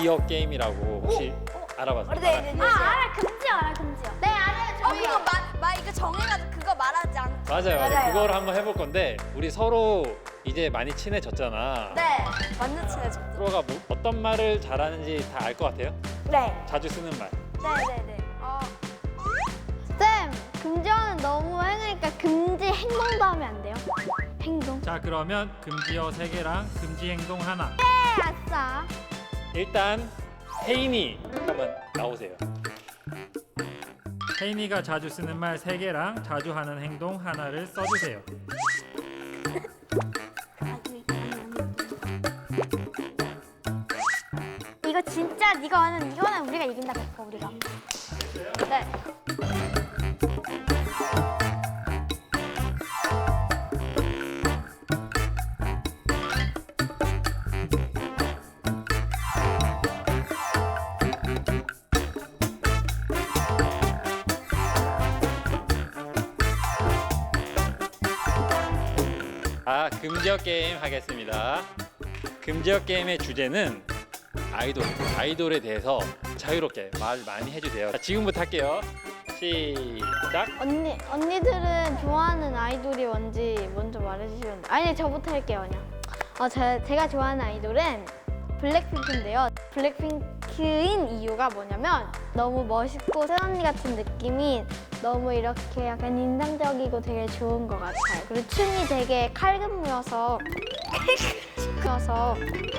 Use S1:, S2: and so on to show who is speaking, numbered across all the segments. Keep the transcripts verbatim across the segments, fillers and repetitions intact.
S1: 금지어 게임이라고 혹시 알아봤어요?
S2: 네, 네, 네.
S3: 아 알아 금지요 알아 금지요. 네 알아요
S2: 어,
S3: 저희요.
S2: 그거 마, 마 이거 정해가지고 그거 말하지 않.
S1: 맞아요, 맞아요.
S2: 맞아요.
S1: 그걸 한번 해볼 건데 우리 서로 이제 많이 친해졌잖아.
S2: 네, 완전 친해졌죠.
S1: 서로가 뭐, 어떤 말을 잘하는지 다 알 것 같아요?
S2: 네,
S1: 자주 쓰는 말.
S2: 네, 네, 네. 어,
S3: 쌤 금지어는 너무 행하니까 금지 행동도 하면 안 돼요? 행동.
S4: 자, 그러면 금지어 세 개랑 금지 행동 하나.
S3: 네 아싸.
S1: 일단 혜인이 한번 나오세요.
S4: 혜인이가 자주 쓰는 말 세 개랑 자주 하는 행동 하나를 써주세요.
S3: 이거 진짜 네가 하는 이거는 우리가 이긴다 그거 우리가.
S2: 네.
S1: 아, 금지어 게임 하겠습니다. 금지어 게임의 주제는 아이돌, 아이돌에 대해서 자유롭게 말 많이 해주세요. 자, 지금부터 할게요. 시작.
S3: 언니 언니들은 좋아하는 아이돌이 뭔지 먼저 말해주시면 돼요. 아니 저부터 할게요 그냥. 어, 제, 제가 좋아하는 아이돌은 블랙핑크인데요. 블랙핑크인 이유가 뭐냐면 너무 멋있고 새언니 같은 느낌이 너무 이렇게 약간 인상적이고 되게 좋은 것 같아요. 그리고 춤이 되게 칼군무여서 그래서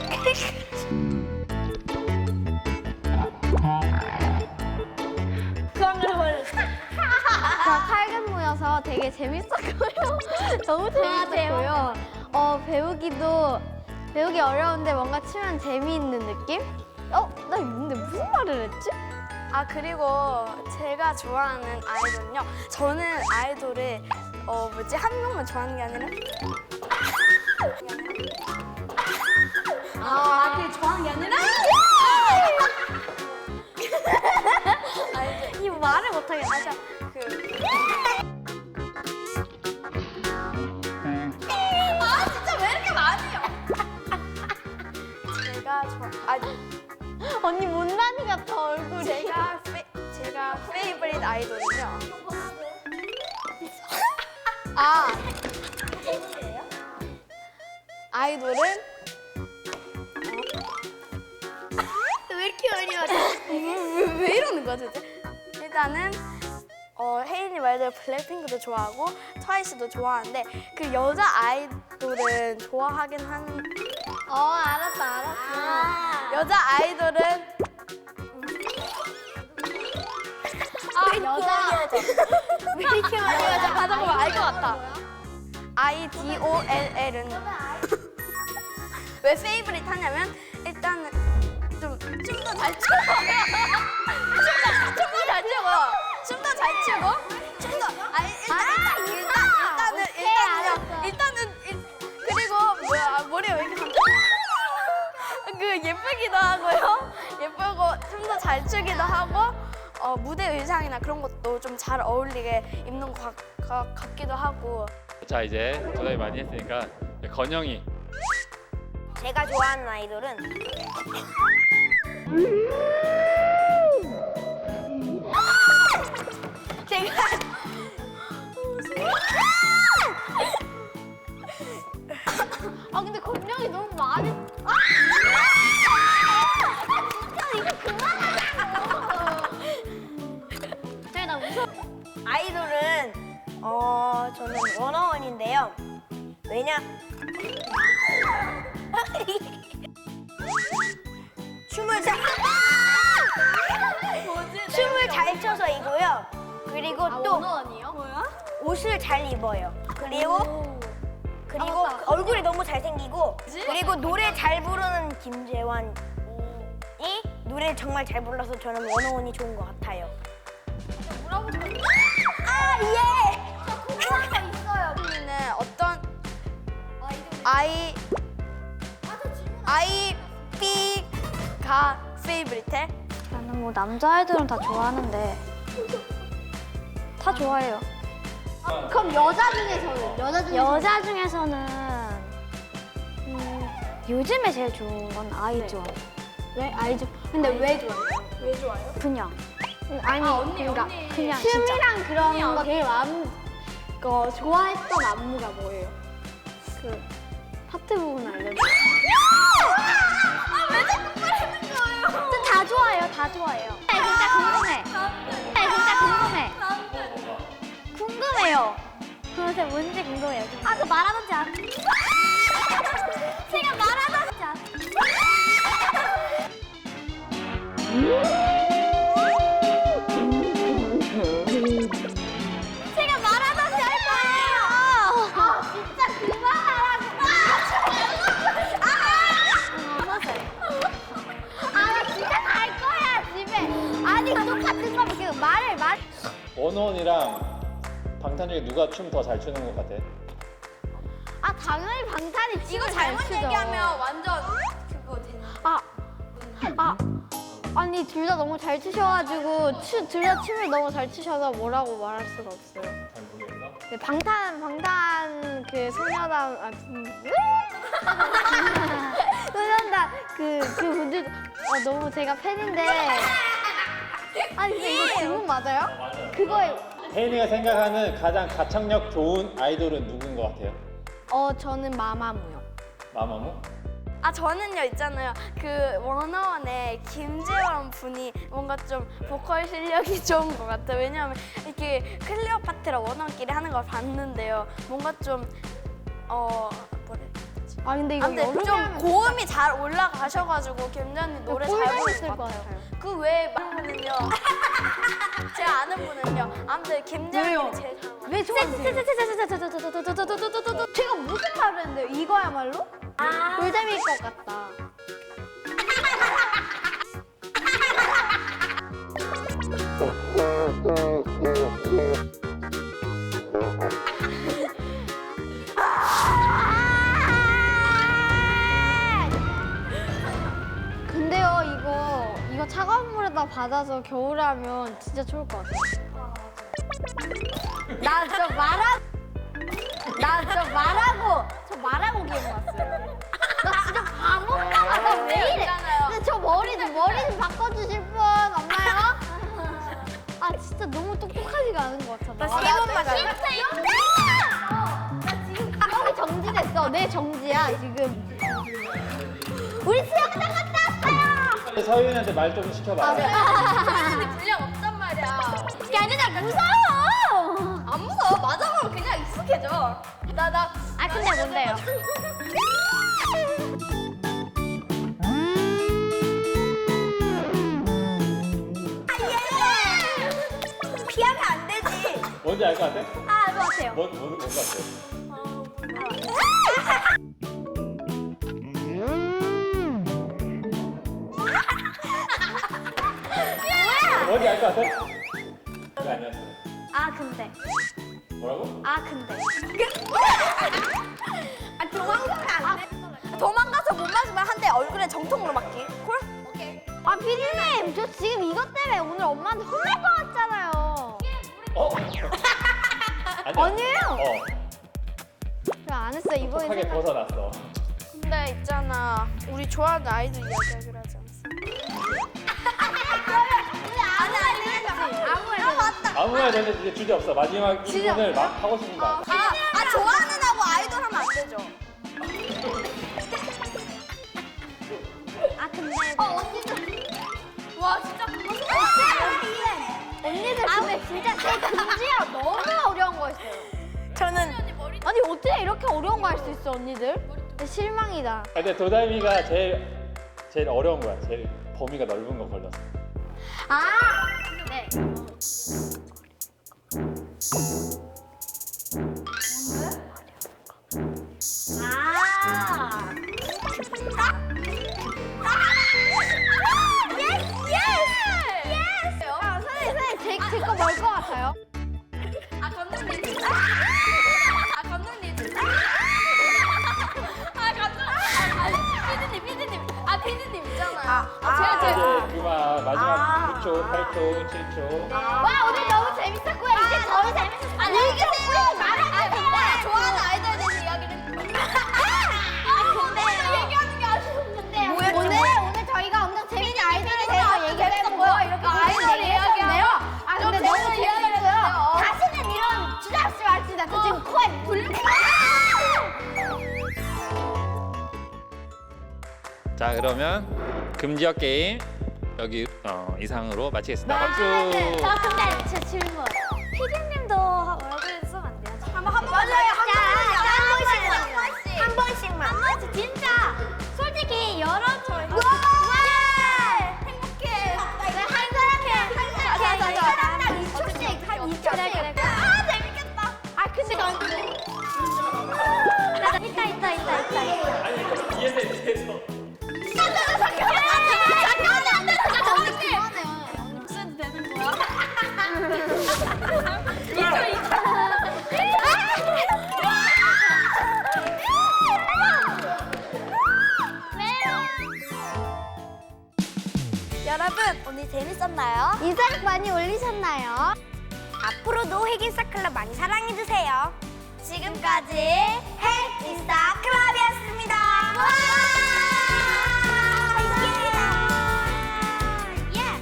S3: 칼군무여서 되게 재밌었고요. 너무 재밌었고요. 어 배우기도 배우기 어려운데 뭔가 추면 재미있는 느낌? 어? 나 근데 무슨 말을 했지?
S2: 아 그리고 제가 좋아하는 아이돌은요. 저는 아이돌을 어 뭐지 한 명만 좋아하는 게 아니라. 아, 그 좋아하는 게 아니라. 알죠?
S3: 이 말을 못하겠어.
S2: 맞아. 그. 아 진짜 왜 이렇게 많이 해요? 제가 좋아. 아니.
S3: 언니 못난이 같아 얼굴이.
S2: 제가 페, 제가 페이버릿 아이돌은요. 아 아이돌은 어? 왜 이렇게 어려워? 왜, 왜 이러는 거야 도대체? 일단은 어, 혜인이 말대로 블랙핑크도 좋아하고 트와이스도 좋아하는데 그 여자 아이돌은 좋아하긴 하는.
S3: 어 알았다 알았어.
S2: 여자 아이돌은
S3: 아 여자.
S2: 왜 이렇게 많이 여자 가다 보면 알 것 같아. 아이 디 오 엘 엘은 왜 페이브릿 하냐면 일단은 좀 춤도 잘 추고 춤도 잘 추고 춤도 잘 추고 춤도 아니 일단 일단 일단 일단은
S3: 오케이,
S2: 일단은요
S3: 알았어.
S2: 일단은 일, 그리고 뭐야 머리가 왜 이렇게 그 예쁘기도 하고요 예쁘고 춤도 잘 추기도 하고 어, 무대 의상이나 그런 것도 좀 잘 어울리게 입는 것 같, 같- 같기도 하고.
S1: 자, 이제 도전이 많이 했으니까 건영이.
S2: 제가 좋아하는 아이돌은 제가
S3: 아 근데 건명이 너무 많이. 아! 진짜 이거 그만하자고. 그래 나 무서워.
S2: 아이돌은 어 저는 워너원인데요. 왜냐? 춤을 잘 춤을 잘 춰서이고요. 그리고
S3: 아
S2: 또
S3: 원어원이요? 뭐야?
S2: 옷을 잘 입어요. 그리고 그리고
S3: 아, 맞다.
S2: 얼굴이 너무 잘생기고 그리고 노래 잘 부르는 김재환이 노래 정말 잘 불러서 저는 원어원이 좋은 것 같아요.
S3: 뭐라고 좀.
S2: 아 예.
S3: 궁금한 거 있어요.
S2: 언니는 어떤 아이 아이 B가 페이브릿해?
S3: 나는 뭐 남자 아이돌은 다 좋아하는데 다 좋아해요. 그럼 여자 중에서는 여자 중에서 여자 중에서는 음, 요즘에 제일 좋은 건 아이즈원. 왜 아이즈? 근데 왜 좋아해요?
S2: 왜 좋아요?
S3: 그냥. 아니,
S2: 아, 언니,
S3: 그러니까
S2: 언니.
S3: 그냥
S2: 진짜.
S3: 춤이랑 그런
S2: 언니,
S3: 거
S2: 언니.
S3: 제일 마음 거 좋아했던 안무가 뭐예요? 그 파트 부분 알려줘.
S2: 아왜 자꾸 말하는 거예요?
S3: 다 좋아해요, 다 좋아해요. 네, 진짜 궁금해. 네, 진짜 궁금해. 궁금해요. 그래서 뭔지 궁금해요. 아, 그 말하던지 안. 제가 말하던지 안. 제가 말하던지 할 거예요. 아, 진짜 그만하라고. 아, 나 진짜 갈 거야, 집에. 아니, 똑같은 거 계속 말을 말.
S1: 원원이랑 방탄 중에 누가 춤 더 잘 추는 것 같아?
S3: 아, 당연히 방탄이
S2: 이거
S3: 춤을 잘
S2: 잘못
S3: 추죠.
S2: 얘기하면 완전 그거 되는.
S3: 아, 아, 아니 둘 다 너무 잘 추셔가지고 둘 다 춤을 너무 잘 추셔서 뭐라고 말할 수가 없어요.
S1: 잘 모르겠나?
S3: 네, 방탄 방탄 그 소녀단 아 음, 소녀단 그그 분들 어, 너무 제가 팬인데 아니 근데 이거 질문 맞아요? 그거에
S1: 혜인이가 생각하는 가장 가창력 좋은 아이돌은 누군 것 같아요?
S3: 어 저는 마마무요.
S1: 마마무?
S2: 아 저는요 있잖아요 그 워너원의 김재원 분이 뭔가 좀 보컬 실력이 좋은 것 같아요. 왜냐하면 이렇게 클리어 파트라 워너원끼리 하는 걸 봤는데요 뭔가 좀어 뭐래
S3: 아 근데 이거
S2: 아무튼
S3: 여름에
S2: 좀
S3: 하면
S2: 고음이 잘 올라가셔가지고 김재원님 노래 잘
S3: 꿀잼
S2: 부를
S3: 있을
S2: 것
S3: 것
S2: 같아요.
S3: 같아요.
S2: 그 외에 많은 분은요 제가 아는 분은요 아무튼 김재원님이 제일 잘 맞아요.
S3: 왜 좋아하세요? 제가 무슨 말을 했는데요? 이거야말로? 꿀잼일 것 같다. 근데요 이거 이거 차가운 물에다 받아서 겨울에 하면 진짜 좋을 것 같아요. 나 저 말하 나 저 말하고 저 말하고 기억 났어요. 나 진짜 바본가 봐. 나 왜 이래? 근데 저 머리 좀 머리 좀 바꿔주실 분 없나요? 아 진짜 너무 똑똑하지가 않은 것 같아.
S2: 나 세 번만
S3: 진짜 이거 나 지금 기억이 정지됐어. 내 정지야 지금. 우리 수영장 갔다 왔어요.
S1: 서윤이한테 말 좀 시켜봐.
S2: 근데 분량 없단 말이야.
S3: 야, 아니라 무서워.
S2: 안 무서워. 맞아보면 그냥 익숙해져. 나 나.
S3: 아 근데 뭔데요?
S2: 피하면 안 되지.
S1: 뭔지 알 것 같아?
S3: 아, 알 것 같아요.
S1: 뭔, 뭔, 뭔 같아? 뭔지 알 것 같아? 그게 아니었어.
S3: 아 근데.
S1: 뭐라고?
S3: 아 근데.
S2: 아 도망가면 안 돼. 도망가서 못 맞으면 한 대 얼굴에 정통으로 맞기. 콜? 오케이.
S3: 아 피디님, 저 지금 이것 때문에 오늘 엄마한테 혼날 것 같잖아요.
S1: 어? 아니야.
S3: 아니에요.
S1: 어,
S3: 저 안 했어 이번에
S1: 하게
S3: 생각.
S1: 벗어났어.
S2: 근데 있잖아. 우리 좋아하는 아이돌 이야기하기로 하지 않았어?
S3: 아니 아니 아무래도.
S2: 아 맞다.
S1: 아무 말 되는데 이제 주제 없어. 마지막 일 분을 막 하고 싶은 거.
S2: 아, 아 좋아하는 하고 아이돌 하면 안 되죠.
S3: 아 근데.
S2: 어 언니들. 와 진짜 그거
S3: 언니들 근데 진짜 제 금지가 너무 어려운 거였어요.
S2: 저는
S3: 아니 어떻게 이렇게 어려운 거 할 수 있어 언니들? 근데 실망이다.
S1: 아, 근데 도다미가 제일 제일 어려운 거야. 제일 범위가 넓은 거 걸렸어.
S3: 아. 네. 아. 아, 선생님, 선생님, 제, 제거 뭘 것 같아요?
S2: 아 감독님. 아 감독님. 아 감독님. 아 피디님 피디님. 아 피디님 있잖아요. 아 제가 제가.
S1: 이제 그만 마지막 구 초, 팔 초, 칠 초.
S3: 와, 오늘 너무 재밌었고요. 이제 더 재밌었어요.
S2: 아니 이게 말하는 거 좋아하는 아이돌에 대해서 이야기를.
S3: 아, 근데 얘기하는 게 아쉬웠는데. 오늘, 오늘 저희가 엄청 재밌는 아이돌에
S1: 자, 그러면 금지어 게임 여기 어, 이상으로 마치겠습니다. 박수.
S3: 저 근데 제 질문. 피디님도 얼굴 쓰면 안 돼요?
S2: 한번 한번
S3: 맞아요.
S2: 한
S3: 한
S2: 번씩
S3: 한 번씩만. 한 번씩 진짜. 솔직히 여러분.
S2: 행복해.
S3: 한 사람에 한 사람 딱 이 초씩 한 이 초씩. 그래 그래 그래.
S2: 아 재밌겠다.
S3: 아 근데 나 나 있다 있다 있다 있다. 있다.
S1: 뒤에서 뒤에서.
S2: 잠깐만 안 돼. 잠깐만. 무슨 되는 거야? 여러분 오늘 재밌었나요?
S3: 인상 많이 올리셨나요?
S2: 앞으로도 핵인싸클럽 많이 사랑해주세요. 지금까지 핵인싸클럽이었습니다. 예!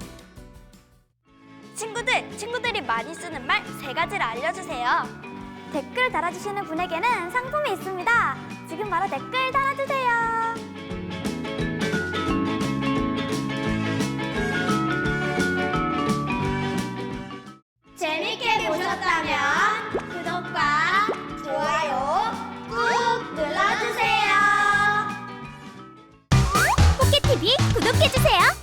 S2: 친구들, 친구들이 많이 쓰는 말 세 가지를 알려주세요.
S3: 댓글 달아주시는 분에게는 상품이 있습니다. 지금 바로 댓글 달아주세요.
S2: 재밌게 보셨다면 구독과 좋아요 꾹 눌러주세요.
S3: 포켓티비 구독해주세요.